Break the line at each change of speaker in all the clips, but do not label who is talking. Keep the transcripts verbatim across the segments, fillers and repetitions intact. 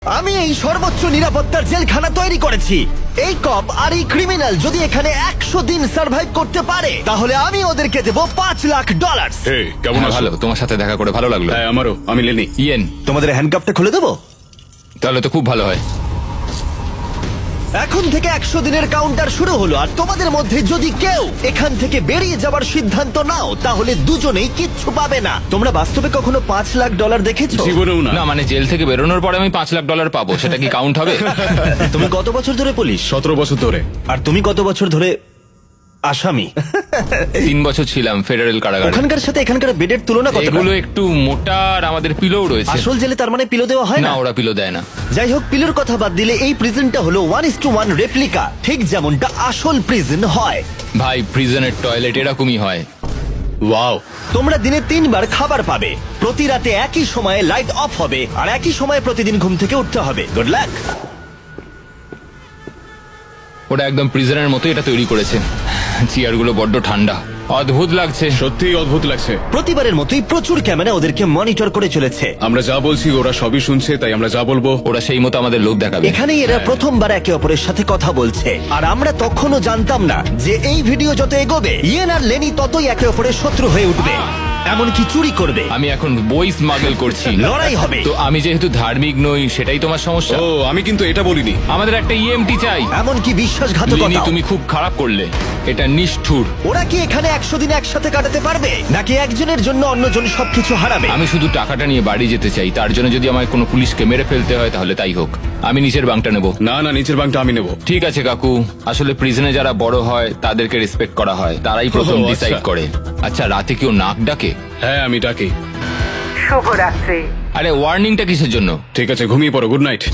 আমি এই সর্বোচ্চ নিরাপত্তার জেলখানা তৈরি করেছি। এই কপ আর এই ক্রিমিনাল যদি এখানে একশো দিন সার্ভাইভ করতে পারে তাহলে আমি ওদেরকে দেবো পাঁচ লাখ ডলার।
হে, কেমন
হ্যাঁ,
আছো?
ভালো, তোমার সাথে দেখা করে ভালো লাগলো।
হ্যাঁ, আমারও। আমি লেনি।
ইয়েন,
তোমাদের হ্যান্ডকাপটা খুলে দেবো?
তাহলে তো খুব ভালো হয়।
এখন থেকে একশো দিনের কাউন্টার শুরু হলো, আর তোমাদের মধ্যে যদি কেউ এখান থেকে বেরিয়ে যাবার সিদ্ধান্ত নাও তাহলে দুজনেই কিচ্ছু পাবে না। তোমরা বাস্তবে কখনো পাঁচ লাখ ডলার দেখেছো?
জীবনেও না।
না মানে জেল থেকে বেরোনোর পরে আমি পাঁচ লাখ ডলার পাবো, সেটা কি কাউন্ট হবে?
তুমি কত বছর ধরে পুলিশ?
সতেরো বছর ধরে।
আর তুমি কত বছর ধরে আসামি?
তিন বছর ছিলাম ফেডারেল কারাগারে।
ওখানকার সাথে এখানকার বেডের তুলনা কত?
এগুলো একটু মোটা আর আমাদের পিলোও রয়েছে।
আসল জেলে তার মানে পিলো দেওয়া হয়
না,
না?
ওরা পিলো দেয় না।
যাই হোক, পিলোর কথা বাদ দিলে এই প্রিজনটা হলো one is to one replica, ঠিক যেমনটা আসল প্রিজন হয়।
ভাই, প্রিজনের টয়লেট এরকমই হয়।
ওয়াও।
তোমরা দিনে তিনবার খাবার পাবে, প্রতি রাতে একই সময়ে লাইট অফ হবে, আর একই সময়ে প্রতিদিন ঘুম থেকে উঠতে হবে। Good luck.
ওটা একদম প্রিজনের মতো এটা তৈরি করেছে। চেয়ারগুলো বড্ড ঠান্ডা, অদ্ভুত লাগছে।
সত্যিই অদ্ভুত লাগছে।
প্রতিবারের মতোই প্রচুর ক্যামেরা ওদেরকে মনিটর করে চলেছে।
আমরা যা বলছি ওরা সবই শুনছে, তাই আমরা যা বলবো
ওরা সেই মতো আমাদের লোক দেখাবে।
এখানেই এরা প্রথমবার একে অপরের সাথে কথা বলছে, আর আমরা তখনও জানতাম না যে এই ভিডিও যত এগোবে ইয়েন আর লেনি ততই একে অপরের শত্রু হয়ে উঠবে, এমনকি চুরি করবে।
আমি এখন বই স্মাগল করছি।
লড়াই হবে।
তো আমি যেহেতু ধার্মিক নই, সেটাই তোমার সমস্যা।
ও, আমি কিন্তু এটা বলিনি।
আমাদের একটা ইএমটি চাই।
এমনকি
লিনি,
বিশ্বাসঘাতকতা।
তুমি খুব খারাপ করলে, এটা নিষ্ঠুর।
ওরা কি এখানে একশো দিন একসাথে কাটাতে পারবে, নাকি একজনের জন্য অন্যজন সবকিছু হারাবে?
আমি শুধু টাকাটা নিয়ে বাড়ি যেতে চাই, তার জন্য যদি আমায় কোনো পুলিশকে মেরে ফেলতে হয় তাহলে তাই হোক। আমি নিচের বাংটা নেব।
না না, নিচের বাংটা আমি নেব।
ঠিক আছে কাকু, আসলে প্রিজনে যারা বড় হয় তাদেরকে রেসপেক্ট করা হয়, তারাই প্রথম
ও, আচ্ছা।
ডিসাইড করে। আচ্ছা, রাতে কেউ নাক ডাকে?
হ্যাঁ, আমি ডাকি।
শুভরাত্রি।
আরে ওয়ার্নিংটা কিসের জন্য?
ঠিক আছে, ঘুমিয়ে পড়ো। Good night.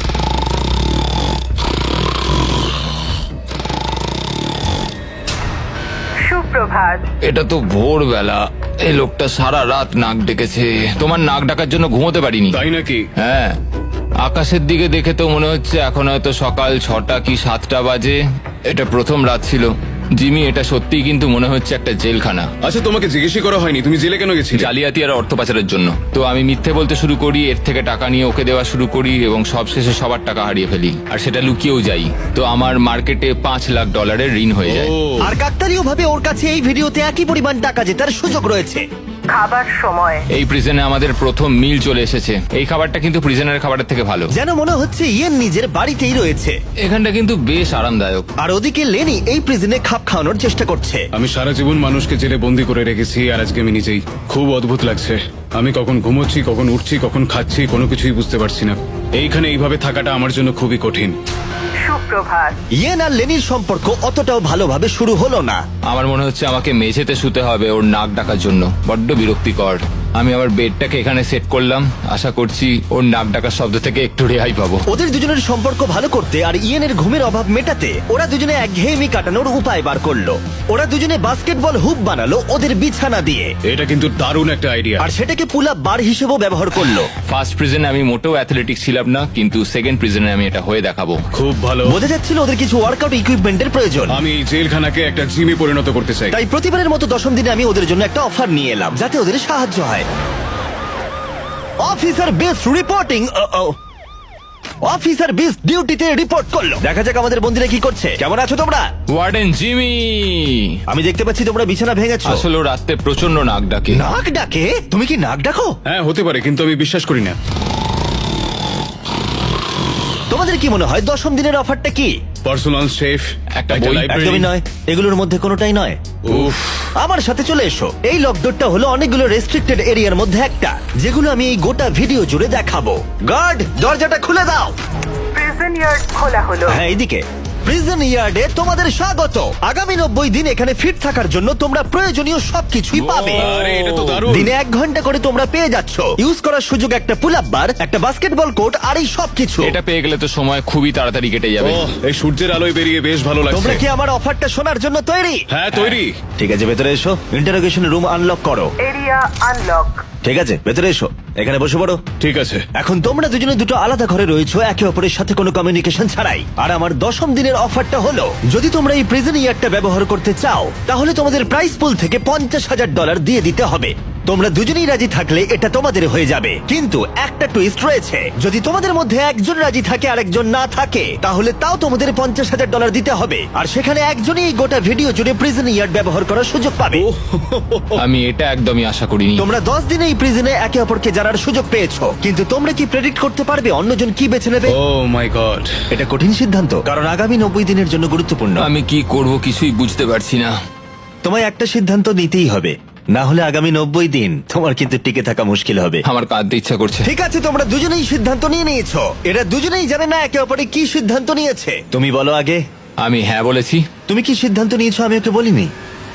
সুপ্রভাত।
এটা তো ভোরবেলা, এই লোকটা সারা রাত নাক ডেকেছে। তোমার নাক ডাকার জন্য ঘুমোতে পারিনি।
তাই নাকি?
হ্যাঁ, আকাশের দিকে দেখে তো মনে হচ্ছে এখন হয়তো সকাল ছটা কি সাতটা বাজে। এটা প্রথম রাত ছিল। জিমি, এটা সত্যিই কিন্তু মনে হচ্ছে একটা জেলখানা।
আচ্ছা, তোমাকে জিজ্ঞেসই করা হয়নি তুমি জেলে কেন গেছিলে?
জালিয়াতি আর অর্থ পাচারের জন্য। তো আমি মিথ্যে বলতে শুরু করি, এর থেকে টাকা নিয়ে ওকে দেওয়া শুরু করি, এবং সবশেষে সবার টাকা হারিয়ে ফেলি, আর সেটা লুকিয়েও যাই। তো আমার মার্কেটে পাঁচ লাখ ডলারের ঋণ হয়ে যায়।
ও,
আর কাকতালীয় ভাবে ওর কাছে এই ভিডিওতে একই পরিমাণ টাকা জেতার সুযোগ রয়েছে।
খাবার সময়।
এই প্রিজনে আমাদের প্রথম মিল চলে এসেছে। এই খাবারটা কিন্তু প্রিজনের খাবারের থেকে ভালো।
যেন মনে হচ্ছে ইয়েন নিজের বাড়িতেই রয়েছে।
এখানটা কিন্তু বেশ আরামদায়ক।
আর ওদিকে লেনি এই প্রিজনে খাপ খাওয়ানোর চেষ্টা করছে।
আমি সারা জীবন মানুষকে জেলে বন্দি করে রেখেছি, আর আজকে আমি নিজেই। খুব অদ্ভুত লাগছে। আমি কখন ঘুমোচ্ছি, কখন উঠছি, কখন খাচ্ছি, কোনো কিছুই বুঝতে পারছি না। এইখানে এইভাবে থাকাটা আমার জন্য খুবই কঠিন।
সুপ্রভাত।
ইয়েন আর লেনির সম্পর্ক অতটাও ভালোভাবে শুরু হলো না।
আমার মনে হচ্ছে আমাকে মেঝেতে শুতে হবে ওর নাক ডাকার জন্য। বড্ড বিরক্তিকর। আমি আমার বেডটাকে এখানে সেট করলাম, আশা করছি ওর নাক ডাকার শব্দ থেকে একটু রেহাই পাবো।
ওদের দুজনের সম্পর্ক ভালো করতে আর ইয়েনের ঘুমের অভাব মেটাতে ওরা দুজনে একঘেয়েমি কাটানোর উপায় বার করলো। ওরা দুজনে বাস্কেটবল হুপ বানালো ওদের বিছানা দিয়ে,
এটা কিন্তু দারুণ একটা আইডিয়া।
আর সেটাকে পুল আপ বার হিসেবেও ব্যবহার করলো।
ফার্স্ট প্রিজনে আমি মোটেও অ্যাথলেটিক ছিলাম না, কিন্তু সেকেন্ড প্রিজনে আমি এটা হয়ে দেখাবো।
খুব ভালো।
বোঝা যাচ্ছিল ওদের কিছু ওয়ার্কআউট ইকুইপমেন্টের প্রয়োজন।
আমি এই জেলখানাকে একটা জিমে পরিণত করতে চাই।
তাই প্রতিবারের মতো দশম দিনে আমি ওদের জন্য একটা অফার নিয়ে এলাম, যাতে ওদের সাহায্য হয়। Officer Best reporting. Officer Best ডিউটিতে রিপোর্ট করলো। দেখা যাক আমাদের বন্ধুরা কি করছে। কেমন আছো তোমরা?
ওয়ার্ডেন জিমি,
আমি দেখতে পাচ্ছি তোমরা বিছানা ভেঙেছো।
আসলে ও রাতে প্রচন্ড নাক ডাকে।
নাক ডাকে? তুমি কি নাক ডাকো?
হ্যাঁ, হতে পারে, কিন্তু আমি বিশ্বাস করি না।
তোমাদের কি মনে হয় দশম দিনের অফারটা কি?
পার্সোনাল শেফ,
একটা বই।
একদমই নয়, এগুলোর মধ্যে কোনোটাই নয়।
উফ,
আমার সাথে চলে এসো। এই লকডাউনটা হলো অনেকগুলো রেস্ট্রিক্টেড এরিয়ার মধ্যে একটা, যেগুলো আমি এই গোটা ভিডিও জুড়ে দেখাবো। গার্ড, দরজাটা খুলে দাও।
প্রিজন ইয়ার্ড খোলা হলো।
হ্যাঁ, এইদিকে। প্রিজন ইয়ার্ডে তোমাদের স্বাগত। আগামী নব্বই দিন এখানে ফিট থাকার জন্য তোমরা প্রয়োজনীয় সবকিছুই পাবে।
আরে এটা তো দারুণ।
দিনে এক ঘন্টা করে তোমরা পেয়ে যাচ্ছ। ইউজ করার সুযোগ একটা পুল আপ বার, একটা বাস্কেটবল কোর্ট, আর এই সবকিছু।
এটা পেয়ে গেলে তো সময় খুবই তাড়াতাড়ি কেটে যাবে।
ওহ, এই সূর্যের আলোয় বেরিয়ে বেশ ভালো
তোমরা
লাগছে।
কি আমার অফারটা শোনার জন্য তৈরি?
হ্যাঁ, তৈরি।
ঠিক আছে, ভেতরে এসো। ইন্টারোগেশন রুম আনলক করো।
Area unlock.
ঠিক আছে, ভেতরে এসো। এখানে বসে পড়ো।
ঠিক আছে।
এখন তোমরা দুজনে দুটো আলাদা ঘরে রয়েছো, একে অপরের সাথে কোনো কমিউনিকেশন ছাড়াই। আর আমার দশম দিনের অফারটা হলো, যদি তোমরা এই প্রিজন ইয়ারটা ব্যবহার করতে চাও তাহলে তোমাদের প্রাইস পুল থেকে পঞ্চাশ হাজার ডলার দিয়ে দিতে হবে। তোমরা দুজনেই রাজি থাকলে এটা তোমাদের হয়ে যাবে, কিন্তু একটা টুইস্ট রয়েছে। যদি তোমাদের মধ্যে একজন রাজি থাকে আর একজন না থাকে, তাহলে তাও তোমাদের পঞ্চাশ হাজার ডলার দিতে হবে, আর সেখানে একজনই এই গোটা ভিডিও জুড়ে প্রিজন ইয়ার্ড ব্যবহার করার সুযোগ পাবে।
আমি এটা একদমই আশা করিনি।
তোমরা দশ দিনে এই প্রিজনে একে অপরকে জানার সুযোগ পেয়েছো, কিন্তু তোমরা কি প্রেডিক্ট করতে পারবে অন্যজন কি বেছে নেবে?
Oh my God.
এটা কঠিন সিদ্ধান্ত, কারণ আগামী নব্বই দিনের জন্য গুরুত্বপূর্ণ।
আমি কি করব কিছুই বুঝতে পারছি না।
তোমায় একটা সিদ্ধান্ত নিতেই হবে, না হলে আগামী নব্বই দিন তোমার কিন্তু টিকে থাকা মুশকিল হবে।
আমার কাঁদতে ইচ্ছা করছে।
ঠিক আছে, তোমরা দুজনেই সিদ্ধান্ত নিয়ে নিয়েছো। এরা দুজনেই জানে না একে অপরে কি সিদ্ধান্ত নিয়েছে। তুমি বলো আগে।
আমি হ্যাঁ বলেছি।
তুমি কি সিদ্ধান্ত নিয়েছো আমি ওকে বলিনি?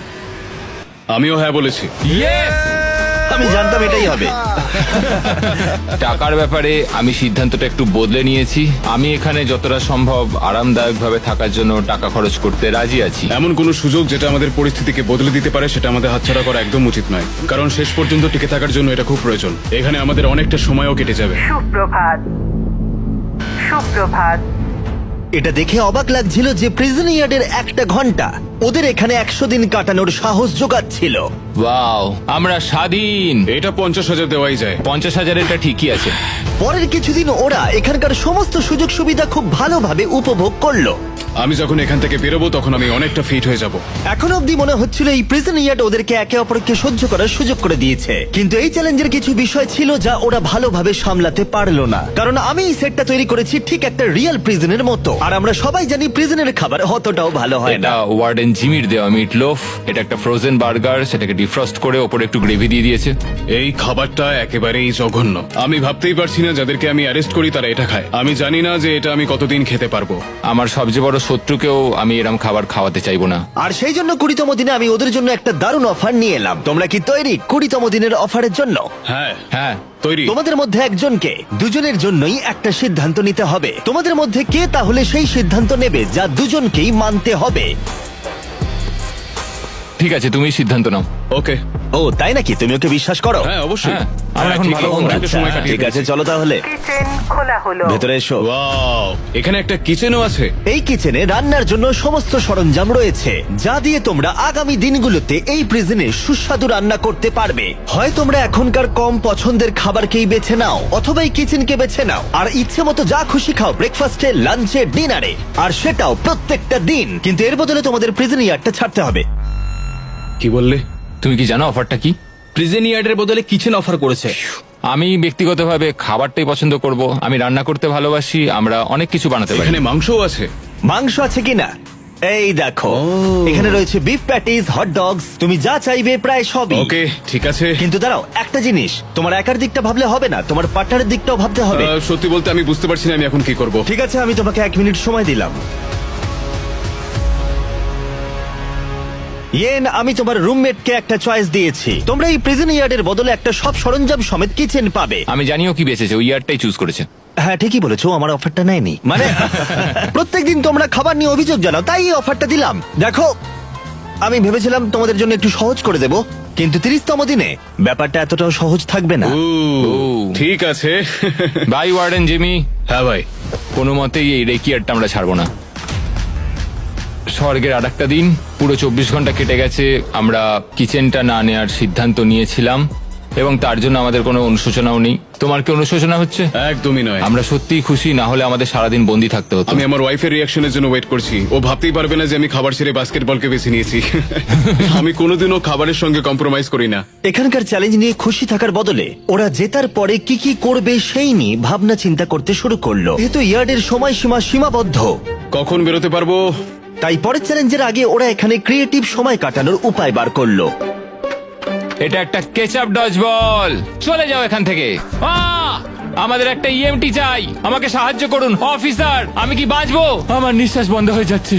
আমিও হ্যাঁ বলেছি।
আমি জানতাম এটাই হবে।
টাকার ব্যাপারে আমি সিদ্ধান্তটা একটু বদলে নিয়েছি। আমি এখানে যতটা সম্ভব আরামদায়কভাবে থাকার জন্য টাকা খরচ করতে রাজি আছি।
এমন কোনো সুযোগ যেটা আমাদের পরিস্থিতিকে বদলে দিতে পারে সেটা আমাদের হাতছাড়া করা একদম উচিত নয়, কারণ শেষ পর্যন্ত টিকে থাকার জন্য এটা খুব প্রয়োজন। এখানে আমাদের অনেকটা সময়ও কেটে যাবে।
সুপ্রভাত সুপ্রভাত
এটা দেখে অবাক লাগছিল যে প্রিজন ইয়ার্ডের একটা ঘন্টা ওদের এখানে একশো দিন কাটানোর সাহস জোগাচ্ছিল।
ওয়াও, আমরা স্বাধীন।
এটা পঞ্চাশ হাজার দেওয়াই যায়।
পঞ্চাশ হাজার এটা ঠিকই আছে।
পরের কিছুদিন ওরা এখানকার সমস্ত সুযোগ সুবিধা খুব ভালোভাবে উপভোগ করলো।
আমি যখন এখান থেকে বেরোবো তখন আমি অনেকটা ফিট হয়ে যাব।
এখন অব্দি মনে হচ্ছিল এই প্রিজন ইয়ার্ড ওদেরকে একে অপরকে সহ্য করার সুযোগ করে দিয়েছে, কিন্তু এই চ্যালেঞ্জের কিছু বিষয় ছিল যা ওরা ভালোভাবে সামলাতে পারলো না। কারণ আমি এই সেটটা তৈরি করেছি ঠিক একটা রিয়েল প্রিজনের মতো, আর আমরা সবাই জানি প্রিজনের খাবার অতটাও ভালো হয় না।
এটা ওয়ার্ডেন জিমির দেওয়া মিট লোফ। এটা একটা ফ্রোজেন বার্গার, সেটাকে ডিফ্রস্ট করে ওপরে একটু গ্রেভি দিয়ে দিয়েছে।
এই খাবারটা একেবারেই জঘন্য। আমি ভাবতেই পারছি না যাদেরকে আমি অ্যারেস্ট করি তারা এটা খায়। আমি জানি না যে এটা আমি কতদিন খেতে পারবো।
আমার সবচেয়ে বড় শত্রুকেও আমি এরম খাবার খাওয়াতে চাইবো না।
আর সেই জন্য কুড়িতম দিনে আমি ওদের জন্য একটা দারুণ অফার নিয়ে এলাম। তোমরা কি তৈরি কুড়িতম দিনের অফারের জন্য?
হ্যাঁ
হ্যাঁ,
তৈরি।
তোমাদের মধ্যে একজনকে দুজনের জন্যই একটা সিদ্ধান্ত নিতে হবে। তোমাদের মধ্যে কে তাহলে সেই সিদ্ধান্ত নেবে যা দুজনকেই মানতে হবে?
ঠিক আছে, তুমি সিদ্ধান্ত নাও।
ওকে।
ও তাই নাকি? তুমি ওকে বিশ্বাস করো?
হ্যাঁ অবশ্যই।
হ্যাঁ, আমরা এখন
ঠিক
ভালো
আছে,
বন্ধু।
অনেকটা সময়
আচ্ছা,
কাটিয়ে
ঠিক আছে,
ফেলেছি।
চলো তাহলে
কিচেন খোলা হলো।
ভেতরে এসো।
ওয়াও, এখানে একটা কিচেনও আছে।
এই কিচেনে রান্নার জন্য সমস্ত সরঞ্জাম রয়েছে, যা দিয়ে তোমরা আগামী দিনগুলোতে এই প্রিজনে সুস্বাদু রান্না করতে পারবে। হয় তোমরা এখনকার কম পছন্দের খাবারকেই বেছে নাও, অথবা এই কিচেনকে বেছে নাও আর ইচ্ছে মতো যা খুশি খাও ব্রেকফাস্টে, লাঞ্চে, ডিনারে, আর সেটাও প্রত্যেকটা দিন। কিন্তু এর বদলে তোমাদের প্রিজন ইয়ার্ডটা ছাড়তে হবে।
কি বললে?
তুমি কি জানো অফারটা কি?
প্রিজন ইয়ার্ডের বদলে কিচেন অফার করেছে।
আমি ব্যক্তিগতভাবে খাবারটাই পছন্দ করব। আমি রান্না করতে ভালোবাসি। আমরা অনেক কিছু বানাতে পারি।
এখানে মাংসও আছে।
মাংস আছে কিনা? এই দেখো, এখানে রয়েছে বিফ প্যাটিস, হট ডগস, তুমি যা চাইবে প্রায় সবই।
ওকে, ঠিক আছে।
কিন্তু দাঁড়াও, একটা জিনিস, তোমার একার দিকটা ভাবলে হবে না, তোমার পার্টনারের দিকটাও ভাবতে হবে।
আহ, সত্যি বলতে আমি বুঝতে পারছি না আমি এখন কি করব।
ঠিক আছে, আমি তোমাকে এক মিনিট সময় দিলাম। ইয়েন, আমি তোমার রুমমেটকে একটা চয়েস দিয়েছি। তোমরা এই প্রিজন ইয়ার্ডের বদলে একটা সব সরঞ্জাম সমেত কিচেন পাবে।
আমি জানিও কি বেঁচেছে, ওই ইয়ারটাই চুজ করেছে।
হ্যাঁ ঠিকই বলেছো, আমার অফারটা নেয়নি। মানে প্রত্যেকদিন তোমরা খাবার নিয়ে অভিযোগ জানাও, তাই এই অফারটা দিলাম। দেখো, আমি ভেবেছিলাম তোমাদের জন্য একটু সহজ করে দেব, কিন্তু তিরিশতম দিনে ব্যাপারটা এতটাও সহজ থাকবে না।
ও,
ও।
ঠিক আছে।
Bye warden Jimmy.
হ্যাঁ ভাই।
কোনো মতেই এই রেকিয়ারটা আমরা ছাড়বো না। স্বর্গের আর একটা দিন, পুরো চব্বিশ ঘন্টা কেটে গেছে। আমরা কিচেনটা না নেওয়ার সিদ্ধান্ত নিয়েছিলাম এবং তার জন্য আমাদের কোনো অনুশোচনাও নেই। তোমার কি অনুশোচনা হচ্ছে?
একদমই নয়।
আমরা সত্যিই খুশি, না হলে আমাদের সারাদিন বন্দি থাকতে হতো।
আমি আমার ওয়াইফের রিয়াকশনের জন্য ওয়েট করছি। ও ভাবতেই পারবে না যে আমি খাবার ছেড়ে বাস্কেটবলকে বেছে নিয়েছি। আমি কোনোদিনও খাবারের সঙ্গে কম্প্রোমাইজ করি না।
এখানকার চ্যালেঞ্জ নিয়ে খুশি থাকার বদলে ওরা জেতার পরে কি কি করবে সেই নিয়ে ভাবনা চিন্তা করতে শুরু করলো। যেহেতু ইয়ার্ডের সময়সীমা সীমাবদ্ধ,
কখন বেরোতে পারবো?
তাই পরের চ্যালেঞ্জের আগে ওরা এখানে ক্রিয়েটিভ সময় কাটানোর উপায় বার করলো।
এটা একটা কেচাপ ডজ বল। চলে যাও এখান থেকে। আহ! আমাদের একটা ইএমটি চাই। আমাকে সাহায্য করুন অফিসার। আমি কি বাঁচবো? আমার নিঃশ্বাস বন্ধ হয়ে যাচ্ছে।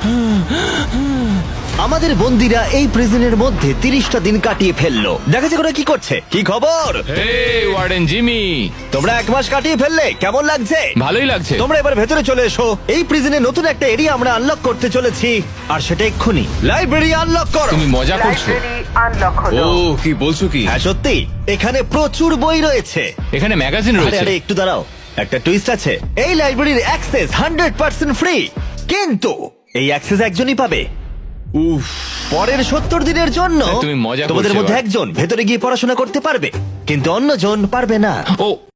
আমাদের বন্দিরা এই প্রিজনের মধ্যে তিরিশটা দিন কাটিয়ে ফেললো। দেখা যাক ওরা কি করছে। কি খবর?
হে ওয়ার্ডেন জিমি,
তোমরা এক মাস কাটিয়ে ফেললে, কেমন লাগছে?
ভালোই লাগছে।
তোমরা এবার ভেতরে চলে এসো। এই প্রিজনে নতুন একটা এরিয়া আমরা আনলক করতে চলেছি, আর সেটা এক্ষুনি। লাইব্রেরি আনলক করো।
তুমি মজা করছো?
লাইব্রেরি আনলক
ও,
হলো।
কি বলছো কি?
হ্যাঁ সত্যি, এখানে প্রচুর বই রয়েছে।
এখানে ম্যাগাজিন
আরে
রয়েছে।
আরে একটু দাঁড়াও, একটা টুইস্ট আছে। এই লাইব্রেরির অ্যাক্সেস হান্ড্রেড পার্সেন্ট ফ্রি, কিন্তু এই অ্যাক্সেস একজনই পাবে।
উফ,
পরের সত্তর দিনের জন্য
তুমি মজা করছো
তোমাদের মধ্যে
এবার।
একজন ভেতরে গিয়ে পড়াশোনা করতে পারবে, কিন্তু অন্যজন পারবে না।
ও